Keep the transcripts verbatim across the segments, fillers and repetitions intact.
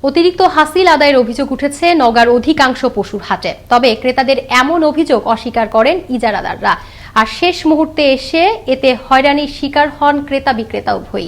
অতিরিক্ত হাসিল আদায়ের অভিযোগ উঠেছে নওগাঁর অধিকাংশ পশুর হাটে। তবে ক্রেতাদের এমন অভিযোগ অস্বীকার করেন ইজারাদাররা। আর শেষ মুহূর্তে এসে এতে হয়রানির শিকার হন ক্রেতা বিক্রেতা উভয়ই।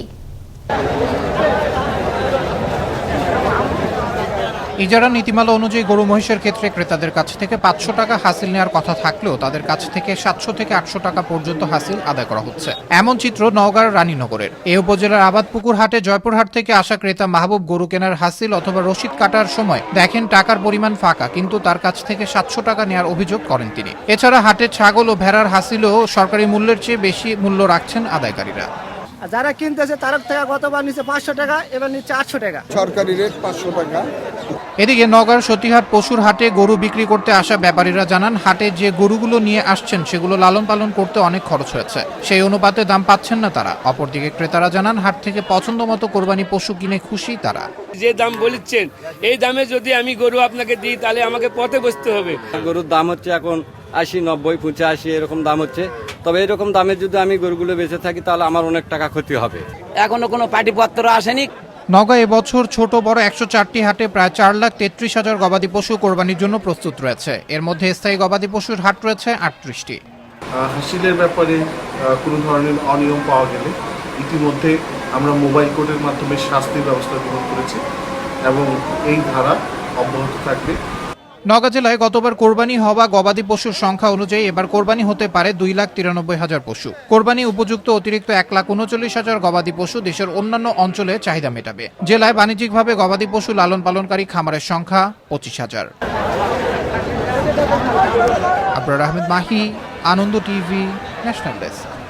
ইজারা নীতিমালা অনুযায়ী গরু মহিষের ক্ষেত্রে ক্রেতাদের কাছ থেকে পাঁচশো টাকা হাসিল নেওয়ার কথা থাকলেও তাদের কাছ থেকে সাতশো থেকে আটশো টাকা পর্যন্ত হাসিল আদায় করা হচ্ছে। এমন চিত্র নওগাঁর রানীনগরের। এই উপজেলার আবাদপুকুর হাটে জয়পুরহাট থেকে আসা ক্রেতা মাহবুব গরু কেনার হাসিল অথবা রসিদ কাটার সময় দেখেন টাকার পরিমাণ ফাঁকা, কিন্তু তার কাছ থেকে সাতশো টাকা নেওয়ার অভিযোগ করেন তিনি। এছাড়া হাটের ছাগল ও ভেড়ার হাসিলও সরকারি মূল্যের চেয়ে বেশি মূল্য রাখছেন আদায়কারীরা। যারা কিনতেছে তার থেকে গতবার নিচে পাঁচশো টাকা, এবার নিচে আটশো টাকা, সরকারি রেট পাঁচশো টাকা। এদিকে নওগাঁর সতীহাট পশুর হাটে গরু বিক্রি করতে আসা ব্যাপারীরা জানান, হাটে যে গরুগুলো নিয়ে আসছেন সেগুলো লালন পালন করতে অনেক খরচ হয়েছে, সেই অনুপাতে দাম পাচ্ছেন না তারা। অপরদিকে ক্রেতারা জানান, হাট থেকে পছন্দ মতো কোরবানি পশু কিনে খুশি তারা। যে দাম বলছেন এই দামে যদি আমি গরু আপনাকে দিই তাহলে আমাকে পথে বসতে হবে। গরুর দাম হচ্ছে এখন আশি, নব্বই, পঁচাশি এরকম দাম হচ্ছে। তবে এরকম দামে যদি আমি গরুগুলো বেঁচে থাকি তাহলে আমার অনেক টাকা ক্ষতি হবে। এখনো কোনো পাটিপত্র আসেনি। নওগাঁ এবছর ছোট বড় একশো চারটি হাটে প্রায় চার লাখ তেত্রিশ হাজার গবাদি পশু কোরবানির জন্য প্রস্তুত রয়েছে। এর মধ্যে স্থায়ী গবাদি পশুর হাট রয়েছে আটত্রিশটি। হাসিলের ব্যাপারে কোনো ধরনের অনিয়ম পাওয়া গেলে ইতিমধ্যে আমরা মোবাইল কোর্টের মাধ্যমে শাস্তির ব্যবস্থা গ্রহণ করেছি এবং এই ধারা অব্যাহত থাকবে। নওগাঁ জেলায় গতবার কোরবানি হওয়া গবাদি পশুর সংখ্যা অনুযায়ী এবার কোরবানি হতে পারে দুই লাখ তিরানব্বই হাজার পশু। কোরবানি উপযুক্ত অতিরিক্ত এক লাখ উনচল্লিশ হাজার গবাদি পশু দেশের অন্যান্য অঞ্চলে চাহিদা মেটাবে। জেলায় বাণিজ্যিকভাবে গবাদি পশু লালন পালনকারী খামারের সংখ্যা পঁচিশ হাজার। Abrar Ahmed Mahi, Ananda TV, national desk.